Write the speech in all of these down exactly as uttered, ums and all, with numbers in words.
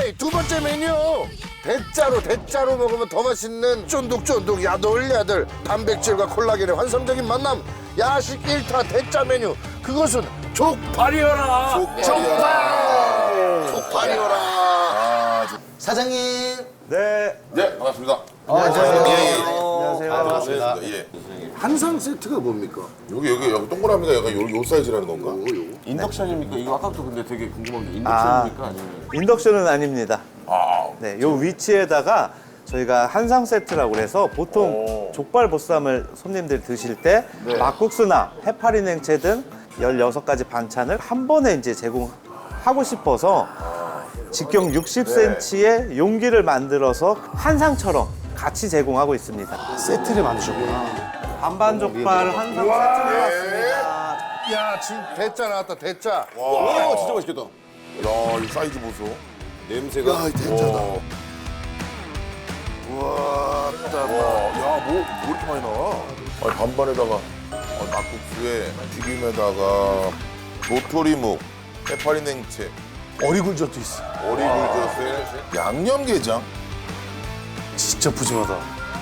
오케이, 두 번째 메뉴. 대짜로 대짜로 먹으면 더 맛있는 쫀득쫀득 야들야들 단백질과 콜라겐의 환상적인 만남. 야식 일 타 대짜 메뉴. 그것은 족발이어라. 족발. 족발이어라. 아, 사장님. 네. 네, 반갑습니다. 안녕하세요. 예, 예. 안녕하세요. 아, 반갑습니다. 예. 한상 세트가 뭡니까? 여기 여기 여기 동그라미가 약간 요, 요 사이즈라는 건가? 인덕션입니까? 이거 아까부터 근데 되게 궁금한 게 인덕션입니까? 아니면 인덕션은 아닙니다. 아, 네, 요 위치에다가 저희가 한상 세트라고 해서 보통 오. 족발 보쌈을 손님들이 드실 때 막국수나 해파리 냉채 등 열여섯 가지 반찬을 한 번에 이제 제공하고 싶어서 직경 육십 센티미터의 용기를 만들어서 한상처럼 같이 제공하고 있습니다. 세트를 만드셨구나. 반반 족발 한상 세트를 왔습니다. 야, 지금 대짜 나왔다, 대짜. 와, 진짜 맛있겠다. 야, 이 사이즈 보소. 냄새가. 야, 이 대짜다. 와, 와, 와, 야, 뭐, 뭐 이렇게 많이 나와? 아니, 반반에다가 어, 막국수에 튀김에다가 도토리묵, 해파리 냉채, 어리굴젓도 있어. 어리굴젓에 양념게장. 진짜 푸짐하다.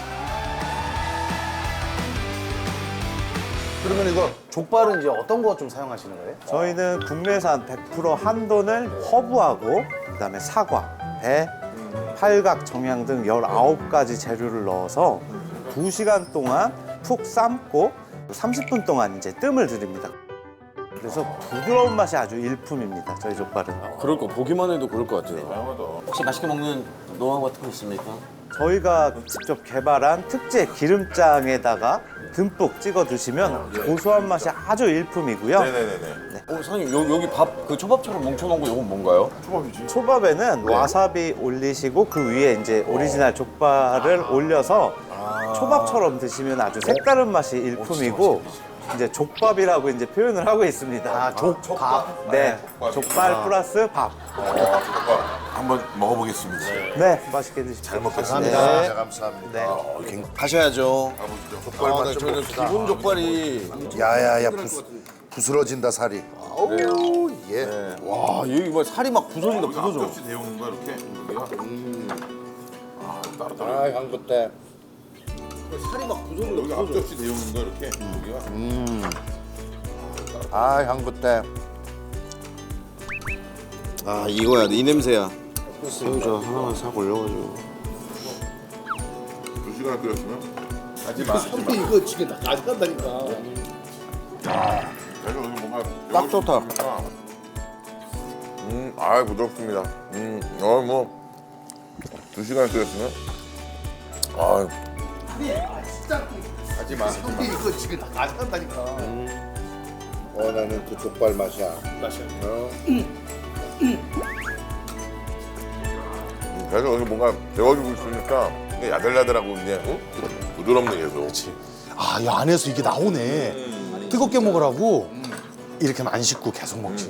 그러면 이거 족발은 이제 어떤 거 좀 사용하시는 거예요? 저희는 국내산 백 퍼센트 한돈을 허브하고 그다음에 사과, 배, 팔각, 정향 등 열아홉 가지 재료를 넣어서 두 시간 동안 푹 삶고 삼십 분 동안 이제 뜸을 들입니다. 그래서 부드러운 맛이 아주 일품입니다. 저희 족발은. 그럴 거 보기만 해도 그럴 것 같아요. 다양하다. 혹시 맛있게 먹는 노하우 같은 거 있습니까? 저희가 직접 개발한 특제 기름장에다가 듬뿍 찍어 드시면 고소한 맛이 아주 일품이고요. 네네네네. 어, 사장님 여, 여기 밥 그 초밥처럼 뭉쳐놓은 거 이건 뭔가요? 초밥이지. 초밥에는 와사비 올리시고 그 위에 이제 오리지널 족발을 올려서 초밥처럼 드시면 아주 색다른 맛이 일품이고 이제 족밥이라고 이제 표현을 하고 있습니다. 아, 족밥. 네, 족발 플러스 밥. 어, 초밥 한번 먹어보겠습니다. 네, 맛있게 드십시오. 잘 먹겠습니다. 감사합니다. 감사합니다. 네. 가셔야죠. 족발 아, 맛 네, 좀 저는 봅시다. 기본 족발이 야야야, 부스, 부스러진다, 살이. 아우, 예. 와 여기 뭐 살이 막 부서진다 부서져. 앞접시 데우는 거야 이렇게. 여기가. 아, 따로 따로. 아, 향부 때. 살이 막 부서져. 여기 앞접시 데우는 거 이렇게. 여기가. 아, 향부 때. 아 이거야 이 냄새야. 새우젓 하나만 싹 올려가지고. 두 시간 끓였으면 하지 마. 하지 마. 이거 지금 다 가져간다니까. 야, 내가 여기 뭔가 딱 좋다. 음, 아 부드럽습니다. 음, 어 뭐 두 시간 끓였으면 아. 하지 마. 하지 마. 이거 지금 다 가져간다니까. 원하는 그 족발 맛이야. 맛이야. 어? 계속 여기 뭔가 데워주고 있으니까 이게 야들야들하고 이제 어? 부드럽네 계속. 아, 이 안에서 이게 나오네. 뜨겁게 먹으라고 이렇게만 안 씻고 계속 먹지.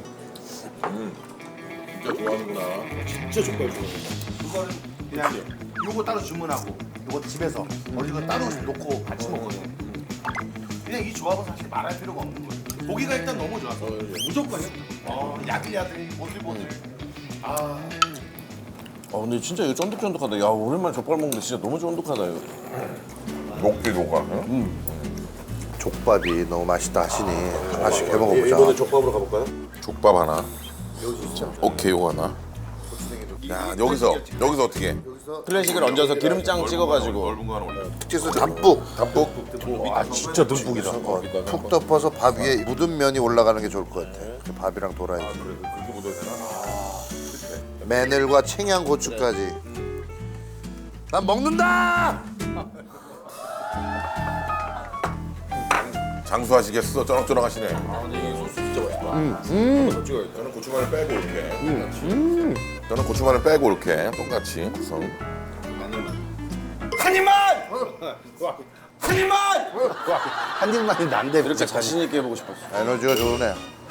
진짜 좋아하는구나. 진짜 족발 좋아해. 이거는 그냥 요거 따로 주문하고 요거 집에서 어디가 따로 놓고 같이 먹거든. 그냥 이 조합은 사실 말할 필요가 없는 거예요. 고기가 일단 너무 좋아서 무조건이요. 어, 야들야들, 보들보들. 아, 아 근데 진짜 이거 쫀득쫀득하다. 야 오랜만에 족발 먹는데 진짜 너무 쫀득하다 이거. 녹지 녹아. 응? 족밥이 너무 맛있다 하시니 하나씩 해 먹어보자. 족밥으로 가볼까요? 족밥 하나. 오케이, 요거 하나. 야, 여기서 여기서 어떻게? 해? 클래식을 얹어서 기름장 찍어가지고. 넓은 거 하나 올려. 특제수 담뿍. 담뿍. 아 진짜 듬뿍이다. 푹 덮어서 밥 위에 묻은 면이 올라가는 게 좋을 것 같아. 그 밥이랑 돌아야지. 그렇게 묻어야 되나? 마늘과 청양고추까지. 난 먹는다! 장수하시겠어? 쩌렁쩌렁 하시네. 아, 근데 이 소스 진짜 맛있다. 음, 음. 찍어야 돼. 저는 고추마늘 빼고 이렇게. 음, 저는 고추마늘 빼고 이렇게 똑같이 구성. 한 입만! 한 입만! 한 입만이 난데 이렇게 자신 있게 해보고 싶었어. 에너지가 좋으네.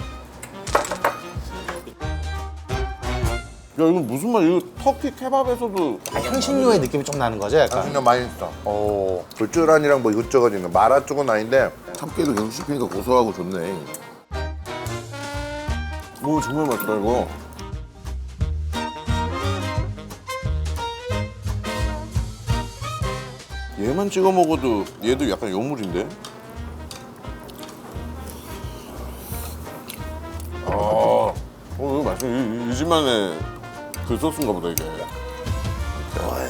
야 이거 무슨 말? 이거 터키 케밥에서도 향신료의 느낌이 좀 나는 거죠, 약간. 향신료 많이 있어. 어. 불주란이랑 뭐 이것저것 있는 마라 쪽은 아닌데 참깨도 계속 씹히니까 고소하고 좋네. 오 정말 맛있다 이거. 얘만 찍어 먹어도 얘도 약간 요물인데? 아, 어, 이거 맛있어. 이, 이 집만의 그 소스인가 보다, 이게. 어,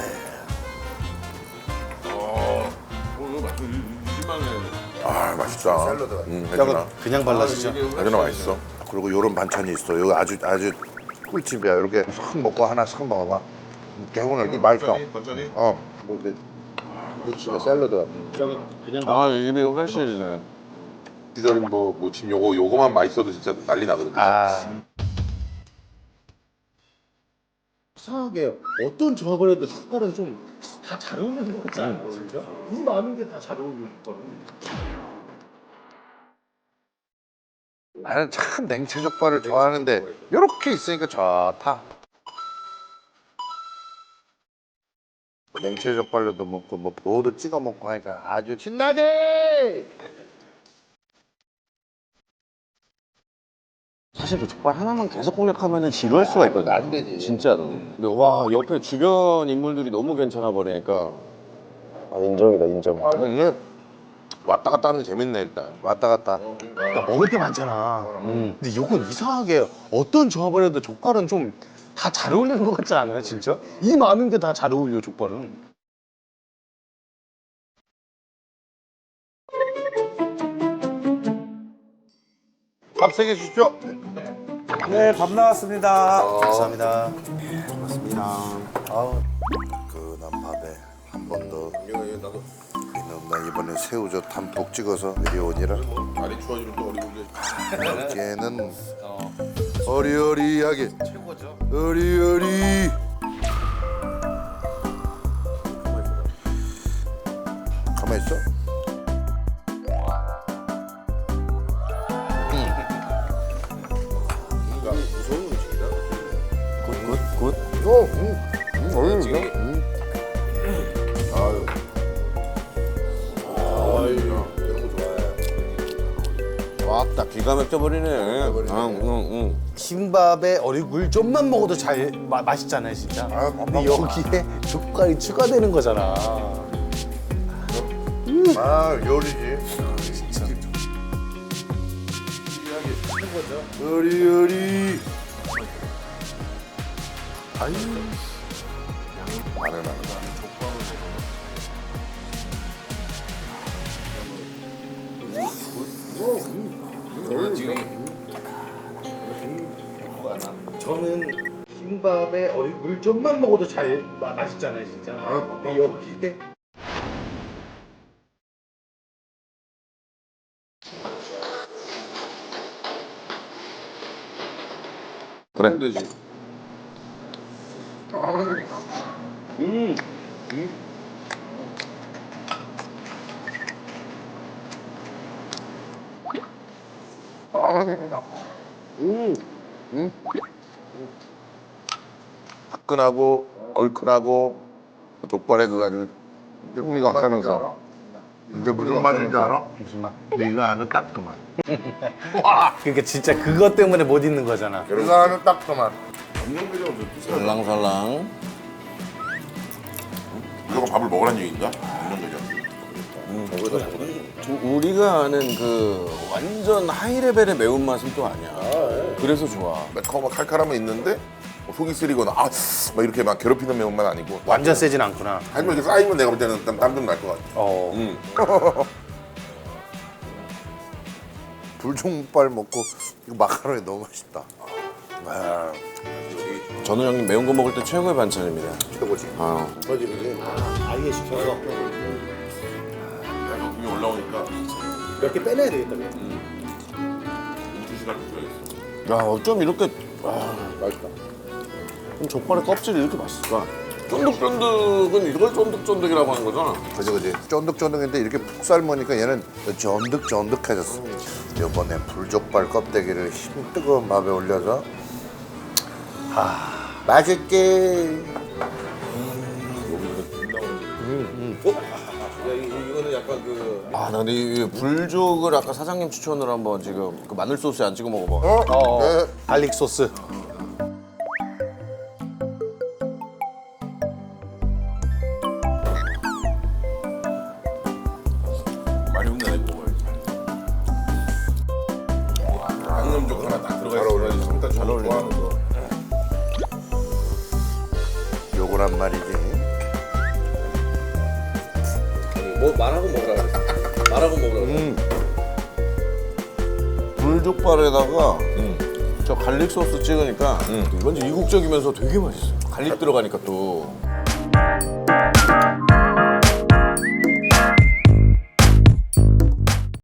이거 맛있어. 이, 이 집만의. 아 맛있다. 샐러드가. 음, 해주나. 그냥 발라주죠. 해주나 맛있어. 그리고 요런 반찬이 있어. 이거 아주 아주 꿀팁이야. 이렇게 싹 먹고 하나 싹 먹어봐. 개운해. 이게 맛있어. 건전이? 어. 뭐 근데 꿀팁이야. 샐러드. 아, 입이 훨씬이네. 시절이 뭐, 뭐 지금 요거 요거만 맛있어도 진짜 난리 나거든. 아. 이상하게 어떤 조합을 해도 젓갈은 좀 다 잘 어울리는 것 같지 않아요, 진짜? 이 많은 게 다 잘 어울리는 젓갈은. 나는 참 냉채 족발을 좋아하는데 이렇게 있으니까 좋다. 냉채 족발로도 먹고 뭐 보도 찍어 먹고 하니까 아주 신나게. 사실 그 족발 하나만 계속 공략하면은 지루할 수가 있거든. 안 되지. 진짜로. 근데 와 옆에 주변 인물들이 너무 괜찮아 버리니까. 아, 인정이다, 인정. 아, 이게 왔다 갔다 하는 게 재밌네 일단. 왔다 갔다. 그러니까 먹을 게 많잖아. 근데 이건 이상하게 어떤 조합을 해도 족발은 좀 다 잘 어울리는 것 같지 않아요, 진짜? 이 많은 게 다 잘 어울려, 족발은. 밥 세 개 주십시오. 네, 밥 나왔습니다. 감사합니다. 그난 밥에 한 번 더. 이놈 나 이번에 새우젓 담뿍 찍어서 내려오니라. 날이 추워지면 또 어리굴리. 여기에는 어리어리하게 최고죠. 어리어리. 가만 있어. 뭔가 무서운 음식이다. 굿굿. 어, 음, 음, 어리어리. 음. 아유. 아유. 이런 거 좋아해. 왔다, 기가 막혀버리네. 응, 응, 응. 흰밥에 어리굴 좀만 먹어도 잘 마, 맛있잖아요, 진짜. 아, 근데 여기에 족발이 추가되는 거잖아. 아 요리지. 진짜. 어리어리. 아유. 마늘 마늘. 저는 흰밥에 어리굴 좀만 먹어도 잘 마, 맛있잖아요, 진짜. 근데 여기에 그래. 되지. 화끈하고 얼큰하고 족발의 그 아주 풍미가 확하면서 이게 무슨 맛인지 알아? 무슨 맛? 이거 아는 딱 그 맛. 그러니까 진짜 그것 때문에 못 있는 거잖아. 이거 아는 딱 그 맛. 살랑살랑. 이거 밥을 먹으란 얘기인가? 인정되죠. 우리가 아는 그 완전 하이레벨의 매운맛은 또 아니야. 그래서 좋아. 매콤하고 칼칼함은 있는데 뭐 속이 쓰리거나 아 막 이렇게 막 괴롭히는 매운맛 아니고 완전 세진 않구나. 하지만 이렇게 쌓이면 내가 볼 때는 땀좀 날 것 같아. 어. 음. 불종발 먹고 이거 마카로니 너무 맛있다. 아, 전우 형님 매운 거 먹을 때 최고의 반찬입니다. 최고지. 아, 터지지. 아예 시켜서 위에 올라오니까 몇 개 빼내야 되겠다. 두 시간 줘야겠어. 야 어쩜 이렇게 아, 맛있다. 그럼 족발의 껍질이 이렇게 맛있을까? 쫀득쫀득은 이걸 쫀득쫀득이라고 하는 거잖아. 그지 그지. 쫀득쫀득인데 이렇게 푹 삶으니까 얘는 쫀득쫀득해졌어. 이번에 불족발 껍데기를 힘 뜨거운 밥에 올려서 아 맛있게. 이거는 약간 그. 아, 나 근데 이 불족을 아까 사장님 추천으로 한번 지금 그 마늘 소스에 안 찍어 먹어봐. 어? 어. 네. 갈릭 소스. 잘 어울리지. 삼단 잘 좋아하는 거. 요거란 말이지. 뭐 말하고 먹으라 그랬어. 말하고 먹으라 그랬어. 불족발에다가 저 갈릭 소스 찍으니까 완전 이국적이면서 되게 맛있어요. 갈릭 들어가니까 또.